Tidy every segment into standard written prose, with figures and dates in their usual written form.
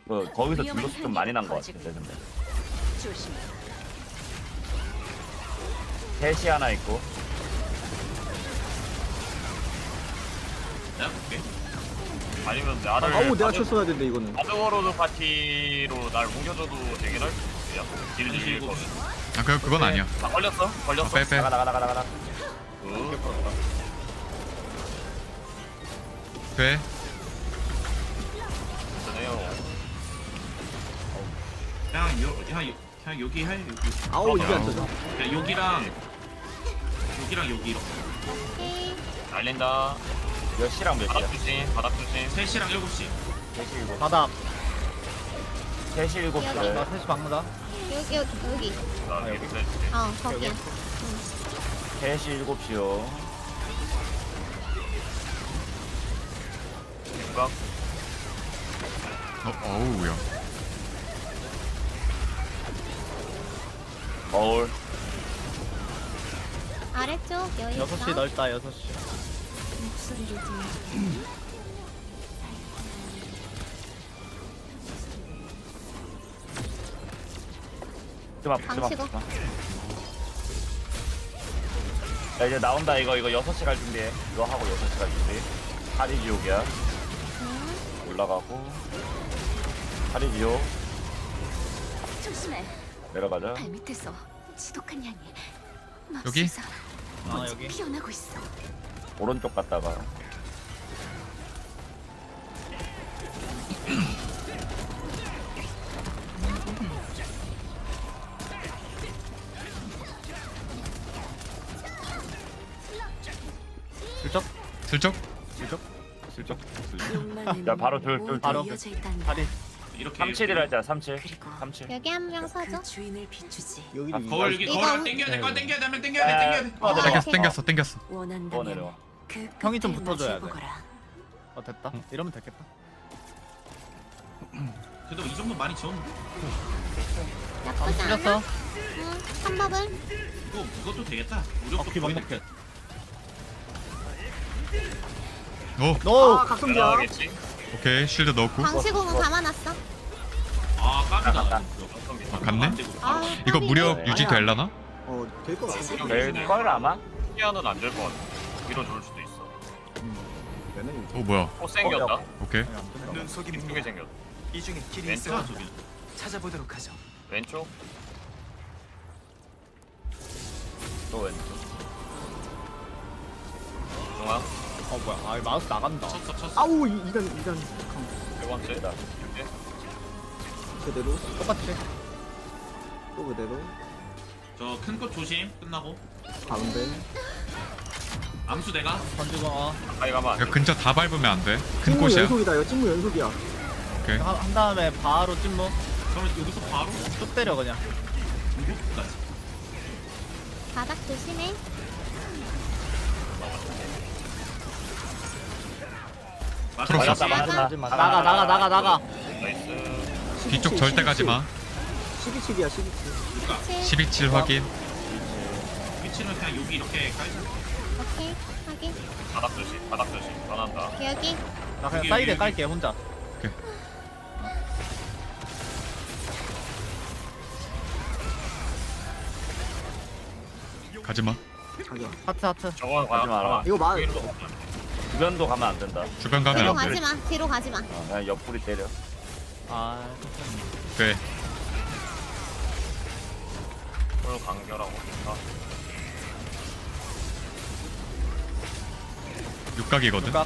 거기서 딜로스 좀 많이 난 것 같아. 내 생각에. 조심해. 셋이 하나 있고. 내가 볼게. 아니면 나를 아우 내가 쳤어야 되는데 이거는. 아드워로드 파티로 날 옮겨줘도 되긴 할 수야. 딜을 이길 거면. 아 그건 아니야. 아 걸렸어? 걸렸어. 빼. 나가. 돼. 괜찮아요. 그냥 여기 해. 여기. 아우 이게 안 터져. 그냥 여기랑 여기 이렇게. 오케이. 날린다. 몇 시랑 몇 바닥 시야? 조심. 바닥 조심. 3시랑 7시. 3시 7시. 바닥. 3시 7시래. 나 셋이 박는다. 여기. 나 여기 해줄게. 거기야. 3시 7시요. 생각. 어우야. 거울. 아래쪽 여기 있어. 6시 넓다 6시. 목소리를 듣는 좀 방치고. 야 이제 나온다. 이거 6시 갈 준비해. 이거 하고 6시 갈 준비. 파리 지옥이야. 올라가고. 파리 지옥. 조심해. 내려가자. 발 밑에서 지독한 향이 여기? 맙소사 먼저 여기. 피어나고 있어. 오른쪽 갔다가. 슬쩍. 슬쩍. 야, 바로 둘. 바로. 이어져 있단다. 다리. 이렇게. 37이라 했잖아. 37. 그리고 37. 여기 한 명 서줘. 그 주인을 비추지. 여기 거울 여기 이거 거울 땡겨야 돼. 거 땡겨야 돼. 하면 땡겨야 돼. 아, 땡겨야 돼. 땡겼어. 내려와. 땡겼어. 원한다면 내려와. 그 형이 좀 끝을 붙어줘야 돼. 마주보거라. 됐다. 이러면 됐겠다. 그래도 이 정도 많이 지웠는데. 나쁘지 않아. 틀렸어. 한 법을. 이것도 되겠다. 무력도 기본 거의 먹게. 오. 너 아, 각성기야. 나가겠지. 오케이. 쉴드 넣고. 방시공은 감아놨어. 아 깜이다. 아, 갔네? 아, 이거 깜이네. 무력 유지될라나? 될거 같아. 될걸 아마? 피아는 안 될 것 같아. 위로 좋을 수도 있어. 얘는 오 뭐야? 또 생겼다. 오케이. 눈속임 이쪽에 생겼다. 이 중에 길이 멘트가 있어 저기. 찾아보도록 하죠. 왼쪽. 또 왼쪽. 중앙. 뭐야? 아 마우스 나간다. 쳤어. 아우 이단 세 번째. 이렇게. 그대로 똑같이. 또 그대로 저 큰 꽃 조심. 끝나고. 가운데 암수 내가. 던지고 가까이 가면 안 돼. 야, 근처 다 밟으면 안 돼. 큰 찐무 꽃이야. 연속이다. 이거 찐무 연속이야. 오케이. 한 다음에 바로 찐무 그러면 여기서 바로 쭉 때려 그냥. 무력까지. 바닥 조심해. 풀었어. 나가. 나이스. 뒤쪽 절대 가지 마. 12칠이야 12칠. 12.7 확인. 위치는 그냥 여기 이렇게 깔자. 오케이. 확인. 바닥 조심. 바닥 조심. 변한다. 여기. 나 그냥 여기, 사이드에 여기. 깔게 혼자. 가지 마. 하트. 저거 가지 마라. 이거 마 주변도 가면 안 된다. 주변 뒤로 가면 안 돼. 가지 마. 뒤로 가지 마. 그냥 옆구리 때려. 아 돼. 홀 간결하고 좋다. 육각이거든. 육각.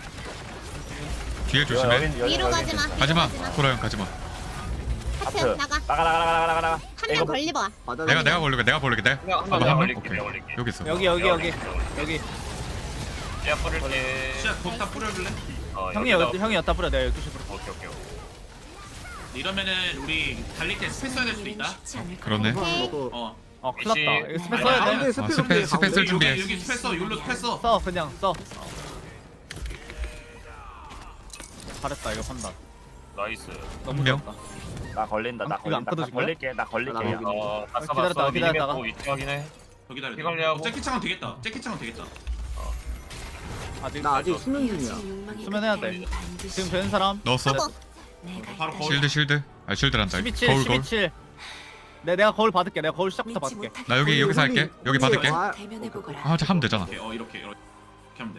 뒤에 조심해. 위로 가지 마. 가지 마. 코라 형 가지 마. 하트 하트. 나가. 나가. 한 명 걸리봐. 내가 걸릴게. 내가 그냥 한 한번 명? 내가 걸릴게. 오케이. 내가 걸릴게. 여기 있어. 여기. 씨앗 뿌릴게. 씨앗 거기다 뿌려줄래? 형이 여기다 뿌려. 내가 12시 뿌려. 오케이. 이러면은 우리 달릴 때 스페 써야 될 수도 있다. 쉽지 않을 거야. 그러네. 오케이. 큰일 났다. 이거 스페 아니, 써야 가운데 돼. 스페 쓸 준비해. 여기 스페 써. 율로 스페 써. 써 그냥 써. 잘했다 이거 판단. 나이스. 너무 한 명? 좋았다. 나 걸린다. 나 이거 안 걸린다. 나 끊어진 거야? 걸릴게. 나 걸릴게. 아, 나 걸리네. 다 기다렸다가, 써봤어. 기다렸다가. 미니맵 위치 확인해. 여기 기다려. 피관리하고. 재킷창은 되겠다. 재킷창은 되겠다. 아직 나 아직 수면 중이야. 이어진 욕망이 수면해야 돼. 끝에는 반드시 지금 되는 사람? 넣었어. 하고. 내가 바로 있다. 거울. 쉴드. 아 쉴드란다. 12칠 거울. 12칠. 내가 거울 받을게. 내가 거울 시작부터 믿지 받을게. 못할 나 여기서 할게. 여기 받을게. 대면해 보거라. 아, 하면 되잖아. 이렇게 하면 돼.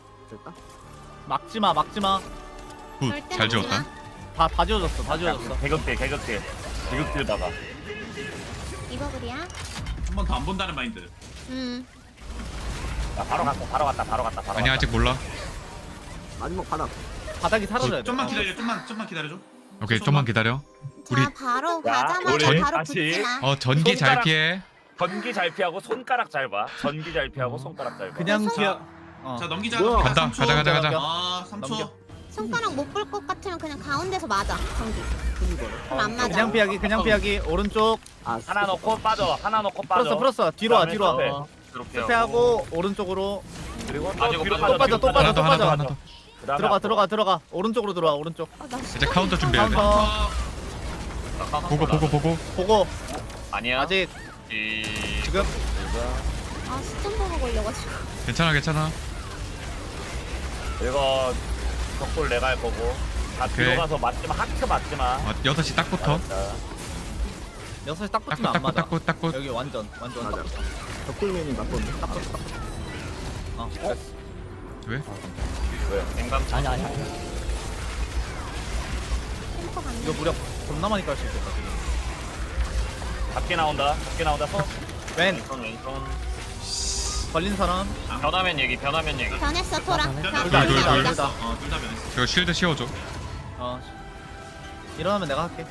막지마 막지마. 굿. 절대 잘 막지 지웠다. 마. 다 지워졌어. 다 지워졌어. 개극딜 박아. 이버블이야. 한 번 더 안 본다는 마인드. 나 바로 갔다. 아니 아직 몰라. 바닥이 사라져야 돼. 좀만 기다려. 좀만 기다려줘. 오케이 좀만 기다려. 우리 자 바로 자, 가자마자 우리 바로 다시. 붙지 마. 전기 잘 손가락- 피해. 전기 잘 피하고 손가락 잘 봐. 전기 잘 피하고 손가락 잘 봐. 그냥 손- 튀어. 자 넘기자. 간다. 3초. 가자. 아 3초. 넘겨. 손가락 못 볼 것 같으면 그냥 가운데서 맞아. 전기. 그럼 안 맞아. 그냥 피하기. 오른쪽. 하나 넣고 빠져. 풀었어. 뒤로 와. 뒤로 와. 그다음에 스페하고 오른쪽으로. 그리고 아, 또 저거 뒤로 또 빠져. 또 하나 빠져. 또 더 하나 더 빠져. 하나 더. 그다음에 들어가. 오른쪽으로 들어와. 오른쪽. 나 이제 카운터 준비해야 돼. 카운터. 보고. 보고. 아니야. 아직 이... 지금 아 시점 보고 걸려가지고. 괜찮아. 이거 벽돌 내가 할 거고. 다 오케이. 뒤로 가서 맞지마. 하트 맞지마. 6시 딱 붙어. 6시 딱 붙으면 안 맞아. 딱. 여기 완전 딱 붙어. 덕분맨이 맞던데. 어. 왜? 냉감 템포 갔네. 이거 무력 겁나 많이 깔 수 있겠다 지금. 밖에 나온다. 서. 왼 왼손. 걸린 사람. 변하면 얘기. 변했어 토라. 둘 다. 둘다 둘다. 변했어. 이거 쉴드 씌워줘. 일어나면 내가 할게.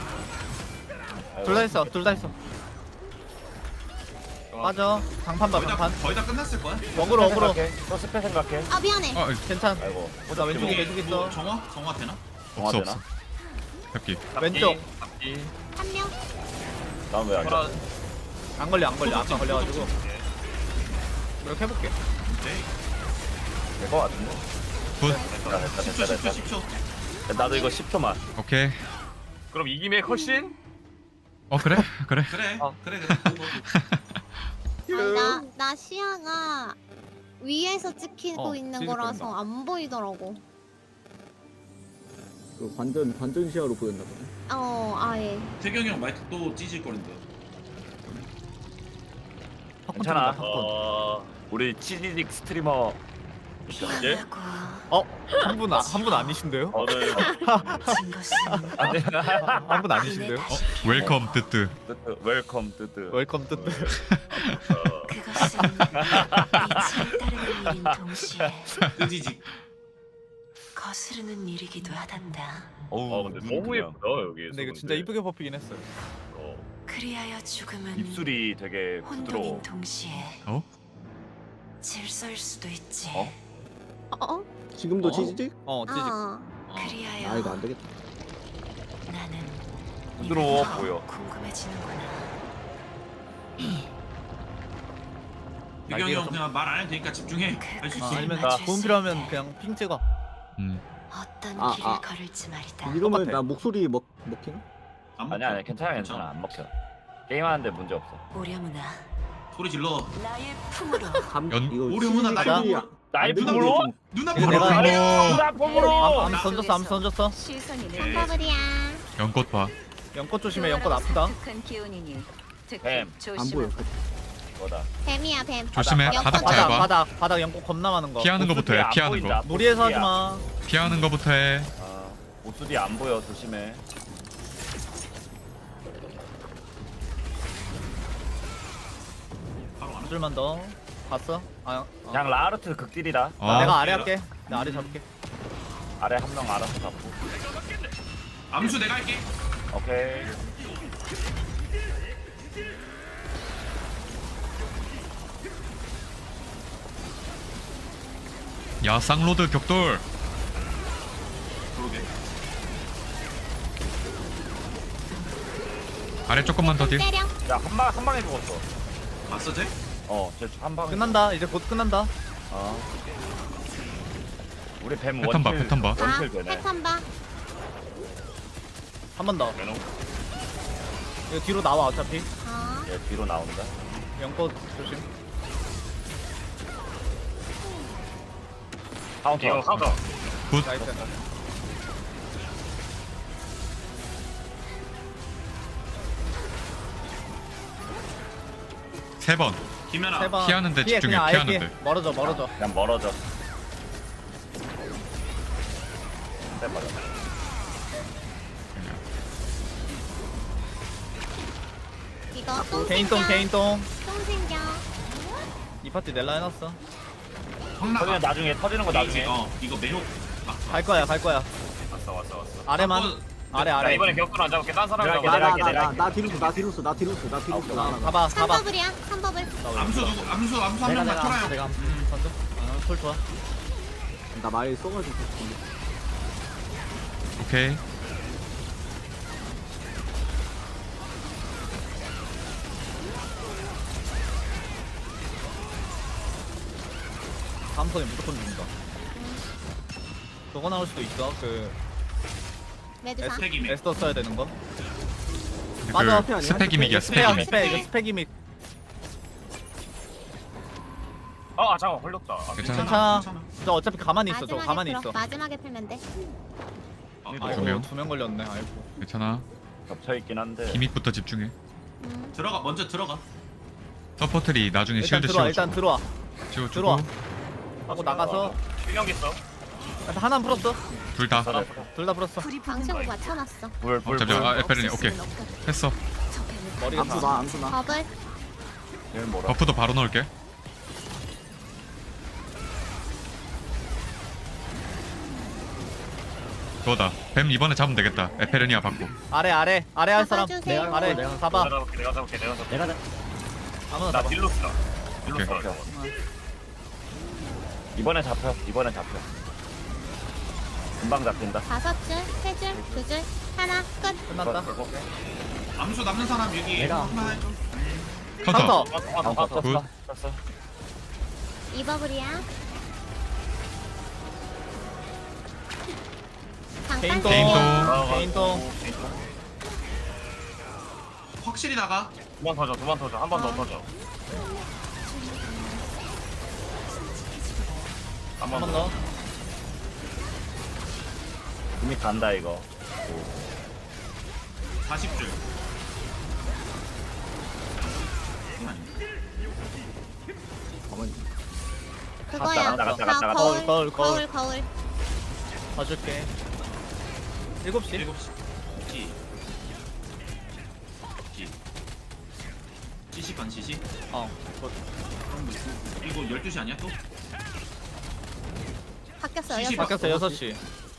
둘 다 했어. 빠져. 장판 봐 장판. 거의 다 끝났을 거야. 어그로. 또 스페 생각해. 아 미안해. 괜찮. 아이고. 나 왼쪽에 매직 있어. 정화 되나? 없어. 되나? 잡기. 왼쪽. 한 명. 다음 왜 앉아? 안 걸려. 아까 걸려가지고. 이렇게 해볼게. 될거 같은데. 굿. 됐다. 10초. 나도 이거 10초만. 오케이. 그럼 이김의 컷신? 그래. 그래. 아니, 나 시야가 위에서 찍히고 있는 찍을 거라서 안 보이더라고. 그 관전 시야로 보였나 보네. 아예. 태경이 형 마이크 또 찢을 거린다. 괜찮아. 팝콘. 우리 치즈직 스트리머 이제 미안하고 한 분 아니신데요? 오늘 진 것은 한 분 아니신데요? 웰컴 뜨뜨. 웰컴 뜨뜨. 웰컴 뜨뜨. 그것은 이치에 따르는 일인 동시에 뜨지직. 거스르는 일이기도 하단다. 근데 너무 예쁘다 여기. 근데 이거 진짜 이쁘게 뽑히긴 했어요. 그리하여 죽음은 입술이 되게 부드러워. 혼돈인 동시에 어? 질서일 수도 있지. 어? 지금도 치즈직? 찌직. 그리하여 아 이거 안 되겠다. 나는 부드러워 이번에 보여. 궁금해지는구나. 태경이 형 그냥 말 안 해도 되니까 집중해. 할 수 있어. 아니면 맞출 도움 수 필요하면 있는 그냥 핑 찍어. 어떤 아, 길을 아. 걸을지 말이다. 이러면 똑같아. 나 목소리 먹히나? 아니야 괜찮아 안 먹혀. 게임하는데 문제 없어. 오려무나 소리 질러. 나의 품으로 이거 오류문화 치즈직이 나이프. 안 되는 나이프로? 게 좀- 누나 이거 보러 내가- 가요. 누나폼으로. 암 던졌어. 시선이 한바블이야. 연꽃 봐. 연꽃 조심해. 연꽃 아프다. 기운이니 뱀. 안 보여. 뭐다. 뱀이야 뱀. 조심해. 바닥, 바닥 잘 봐. 바닥 연꽃 겁나 많은 거. 피하는 거부터 해. 피하는 거. 무리해서 하지 마. 피하는 거부터 해. 옷들이 안 보여. 조심해. 한 줄만 더. 봤어? 그냥 라르트 극딜이다. 내가 아래 할게. 나 아래 잡을게. 아래 한 명 알아서 잡고. 암수 내가 할게. 오케이. 야 쌍로드 격돌. 그러게. 아래 조금만 더 딜. 때려. 야 한 방에 죽었어. 봤어 쟤? 쟤한 방에. 끝난다. 이제 곧 끝난다. 우리 뱀 패턴 봐, 원킬. 패턴 봐. 원킬 되네. 패턴 봐. 한 번 더. 이거 뒤로 나와 어차피. 얘 뒤로 나온다. 연꽃 조심. 카운터. 이거 하다. 굿. 나이스. 3번. 김연아. 3번. 피하는데 피해, 집중해, 그냥 아예 피해. 피하는데. 멀어져 멀어져. 그냥 멀어져. 네, 맞아. 이거 똥 개인똥 생겨. 개인똥. 똥 생겨. 이 파티 넬라 해놨어. 터지면 성나가. 나중에 터지는 거 나중에. 이거 매혹. 갈 거야 갈 거야. 왔어. 아래만. 아래 나 아래. 이번에 격돌 안 잡을게. 딴 사람 내가 잡아. 할게, 내가 나 뒤로 나 뒤로 가봐 가봐. 3버블이야. 3버블. 암수 누구? 암수 한 명만 쳐라요. 내가 던져. 콜 좋아. 나 많이 써가지고. 오케이. 다음 턴에 무조건 죽는다. 저거 나올 수도 있어. 그 매드사. 스펙이미. 에스더 써야 되는 거. 맞아. 그 스펙 이믹이야, 스펙 스펙 이믹. 스펙 이거 스펙 이믹. 잠깐 걸렸다. 괜찮아. 괜찮아. 괜찮아. 저 어차피 가만히 있어. 저 마지막에 가만히 풀어. 있어. 마지막에 풀면 돼. 두 아이고 명. 2명 걸렸네. 아이고. 괜찮아. 겹쳐있긴 한데. 기믹부터 집중해. 들어가 먼저 들어가. 서포트리 나중에 일단 실드 들어와. 일단 씌워주고. 들어와. 씌워주고. 들어와. 하고 나가서 실력 있어. 일단 하나 풀었어. 둘 다. 둘 다 풀었어. 방치고 맞춰놨어. 불. 잠시만. 아, 에페린이 오케이. 했어. 머리가 다. 암수 나. 버블. 얘는 뭐라? 버프도 바로 넣을게. 그거다. 뱀 이번에 잡으면 되겠다. 에페르니아 받고. 아래 할 사람. 잡아주세요. 아래. 잡아. 내가 잡을게. 아무나 나 잡아. 딜로스다. 오케이. 이번에 잡혀. 금방 잡힌다. 5줄, 3줄, 2줄, 하나, 끝. 끝났다. 암수 남는 사람 여기 하나 해줘. 카운터. 카운터. 굿. 쳤어. 2버블이야. 잠깐 개인똥. 쓸게요. 개인똥. 확실히 나가. 두 번 터져. 한 번 더 터져. 한 한 번 번 더. 더. 이미 간다 이거. 40줄. 그거야. 갔다. 자, 거울. 거울. 거울. 봐줄게. 7시. 7시. 지시 반 지시. 어. 이거 12시 아니야 또? 바뀌었어요. 시시 바뀌었어 6시.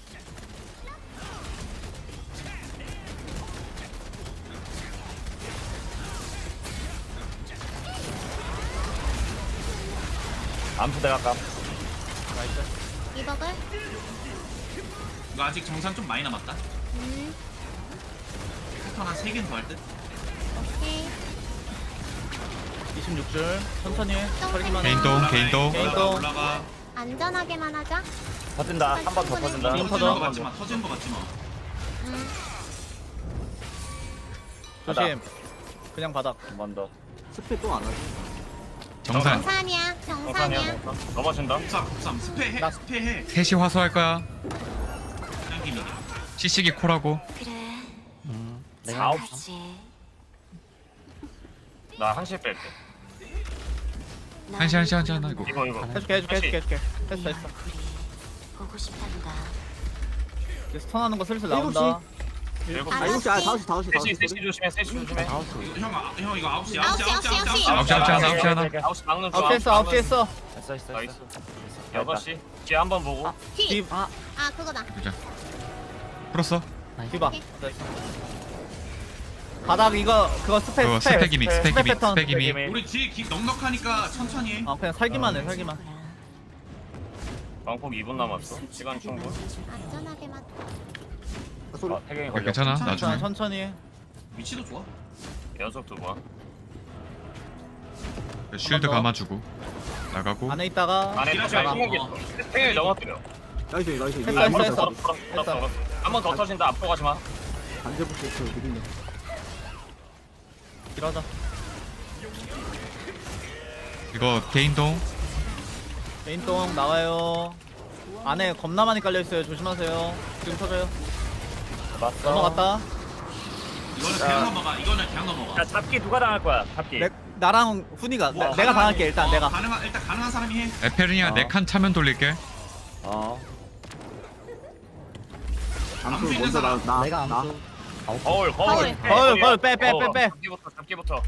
암수 내가 까. 나이스. 2버블. 이거 아직 정산 좀 많이 남았다. 패턴 한 3개는 더 할 듯? 오케이. 26줄. 천천히 해. 털기만 해. 개인똥. 올라가. 안전하게만 하자. 터진다. 한 번 더 터진다. 개인 터진 거 터져. 같지 마. 터진 거 같지 마. 조심. 그냥 바닥. 한 번 더. 스펙 또안 하지. 정산. 정산이야. 정산이야. 넘어진다. 93 스페해. 나- 스페해. 3시 화소할 거야. 그냥 기믹이야. CC기 콜하고. 그래. 내가 아홉 가지. 나 한시 뺄게. 한시 하나 이거. 이거. 해줄게. 했어. 보고 싶단다. 이제 스턴하는 거 슬슬 나온다. 7시. 아, 5시 3시 조심해. 3시 조심해. 형 이거 9시. 9시. 9시 하나. 9시 막는 중. 9시 했어. 9시 했어. 했어. 나이스. 6시. 뒤에 한 번 보고. 피. 딥. 아, 그거다. 보자. 풀었어. 디바. 바닥 이거 그거 스펙 그거 스펙 이믹. 스펙 이믹. 패턴. 스펙 이믹. 우리 뒤에 넉넉하니까 천천히 해. 그냥 살기만 해. 살기만. 방폭 2분 남았어. 시간 충분. 안전하게만. 태경이 야, 걸려. 괜찮아. 천천히 나중에. 천천히 해. 위치도 좋아. 연속 2번. 쉴드 더. 감아주고. 나가고. 안에 있다가 안에 나가. 생각이 생각이 넘어뜨려. 나이스. 했어. 한 번 더 터진다. 앞으로 가지 마. 반대부터 있어. 느린다. 이러자. 이거 개인동. 개인똥 나와요. 안에 겁나 많이 깔려 있어요. 조심하세요. 지금 터져요. 맞어. 넘어갔다. 이거는 그냥 넘어가. 이거는 그냥 넘어가. 야 잡기 누가 당할 거야? 잡기. 내 나랑 훈이가 뭐 내가 당할게 일단 내가. 일단 가능한 사람이 해. 에페르니아 내 칸 차면 돌릴게. 어. 암수 있는 먼저 사람. 나. 거울 거울 빼. 잡기부터.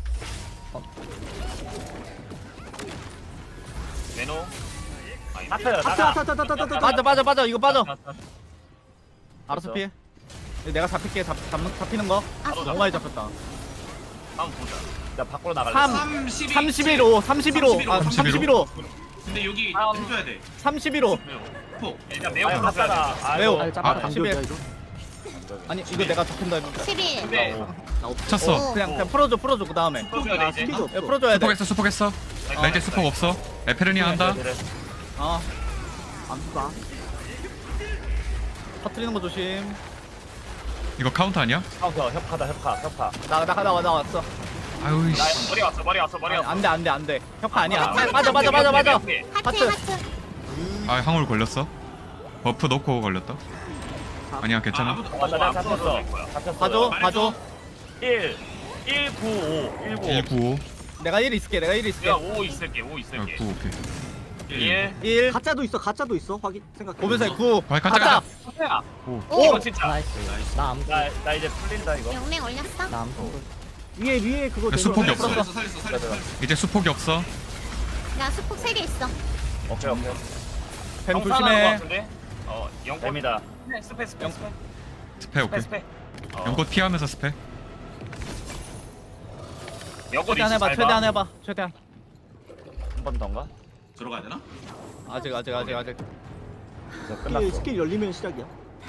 매너. 하트 나가. 빠져 이거 빠져. 아, 알아서 피해. 내가 잡힐게 잡히는 거. 너무 많이 잡혔다. 다음 보자. 나 밖으로 나갈래. 31호 31호 근데 여기 다음. 해줘야 돼. 31호. 폭. 일단 매우 아유 갔어야 돼. 갔잖아. 매우. 아이고. 아, 안 11. 되었다 이거. 아니 이거 내가 잡힌다 했는데. 11. 근데 나 없어. 쳤어. 그냥 풀어줘 그 다음에. 풀어줘야 돼 이제. 스피드 없어. 풀어줘야 돼. 수폭했어. 나 이제 수폭 없어. 에페르니아 한다. 그래. 어 암수다. 터트리는 거 조심. 이거 카운터 아니야? 카운터 협카. 나왔어. 아유 나 씨. 머리 왔어. 안돼 협화 아니야. 아, 빠져. 하트 하트. 하트. 아 항울 걸렸어. 버프 넣고 걸렸다. 아니야 괜찮아. 나 잡혔어. 봐줘. 1 9 5 195. 내가 1 있을게. 야, 5 있을게. 9 오케이. 1. 1 가짜도 있어. 확인 생각. 보면서 9 아, 가짜. 오. 이거 진짜. 나 이제 풀린다 이거. 영랭 올렸어? 위에 그거 야, 수폭이 없어. 살렸어. 이제 수폭이 없어. 나 수폭 3개 있어. 오케이. 뱀 조심해. 영권. 뱀이다. 스페. 스페 오케이. 연꽃 피하면서 스페. 영권 최대한 해봐. 최대한. 한 번 더인가? 들어가야 되나? 아직. 이제 끝났어. 스킬 열리면 시작이야.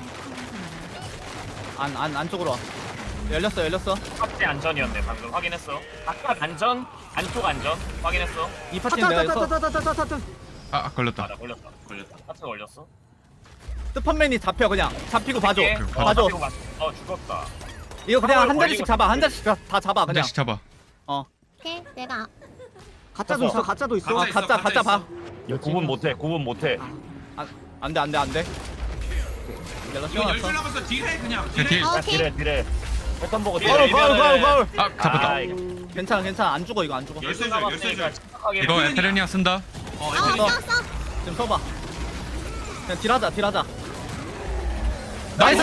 안쪽으로 와. 열렸어. 탑재 안전이었네. 방금 확인했어. 바깥 안전, 안쪽 안전 확인했어. 이 파티는 내가 했어. 아 걸렸다. 나 걸렸다. 하트 걸렸어. 스펀맨이 잡혀 그냥. 잡히고 봐줘. 오케이. 봐줘. 잡히고 죽었다. 이거 그냥 한 걸리고 자리씩 잡아. 한 자리씩 다 잡아 한 그냥. 대씩 잡아. 오케이. 내가 가짜도 있어. 가짜도 있어. 가짜 있어, 가짜 가짜 봐. 구분 못해. 안돼. 내가 이거 씌워놨어. 열줄 남았어. 딜해 그냥. 딜. 딜해. 오케이. 딜에. 패턴 보고 거울. 아 잡혔다. 아, 이거. 괜찮아. 안 죽어 이거 안 죽어. 열쇠 줄. 이거 에페르니아 쓴다. 에페르니아. 썼어. 지금 서봐. 그냥 딜하자. 나이스!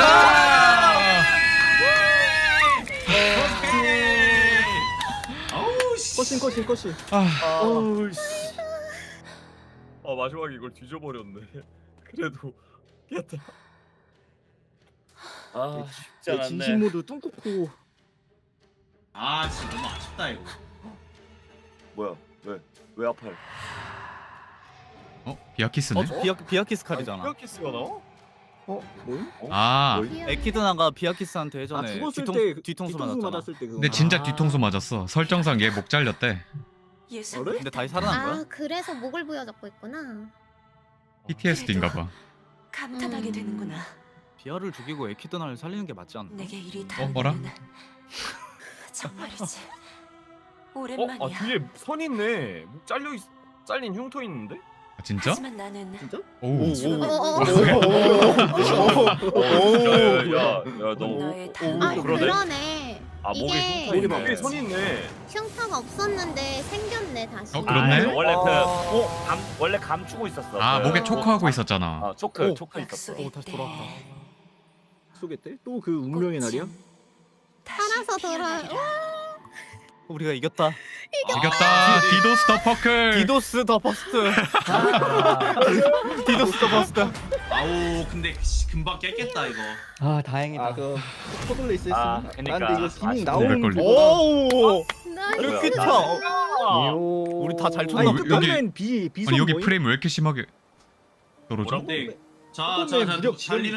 어우 씨. 코신. 어우 씨. 마지막에 이걸 뒤져버렸네. 그래도 깼다. 쉽지 내 진심 모드 뚱꾹고. 아 진짜 너무 아쉽다 이거. 뭐야? 왜 아파요? 비아키스네. 비아키스 칼이잖아. 피어키스가 나와? 뭐임? 아 에키드나가 비아키스한테 예전에 죽었을 때 뒤통수 맞았을 맞았잖아. 때 그거. 근데 진짜 뒤통수 맞았어. 설정상 얘 목 잘렸대. 예술. 그래? 근데 다시 살아난 거야? 아, 그래서 목을 부여잡고 있구나. PTSD인가 봐. 감탄하게 되는구나. 비아를 죽이고 에키드나를 살리는 게 맞지 않나? 내게 일이 뭐라? 닿는 정말이지. 오랜만이야. 뒤에 선 있네. 목 잘린 흉터 있는데? 아, 진짜? 하지만 나는 오. 너. 너의 아, 그러네. 그러네. 목에 이게 흉터 있네. 뒤에 선 있네. 흉터가 없었는데 생겼네 다시. 그렇네. 원래 원래 감추고 있었어. 아 목에 초크하고 있었잖아. 초크 있었어. 약속의 다시 때 돌아왔다. 속였대? 또 그 운명의 날이야? 살아서 돌아. 우리가 이겼다. 이겼다. 디도스 더 퍼클. 디도스 더 버스트. 디도스 더 버스트. 아우 근데 씨, 금방 깼겠다 이거. 아 다행이다. 그 포블레 있었으면. 그러니까. 근데 이거 기믹 아쉽다. 나오는 걸리- 거보다. 오. 나이스. 이렇게 쳐. 우리 다 잘 쳤나? 아니 여기- 끝맨 비선 아니 여기 뭐임? 프레임 왜 이렇게 심하게 떨어져? 근데 자 조금의 무력 달리는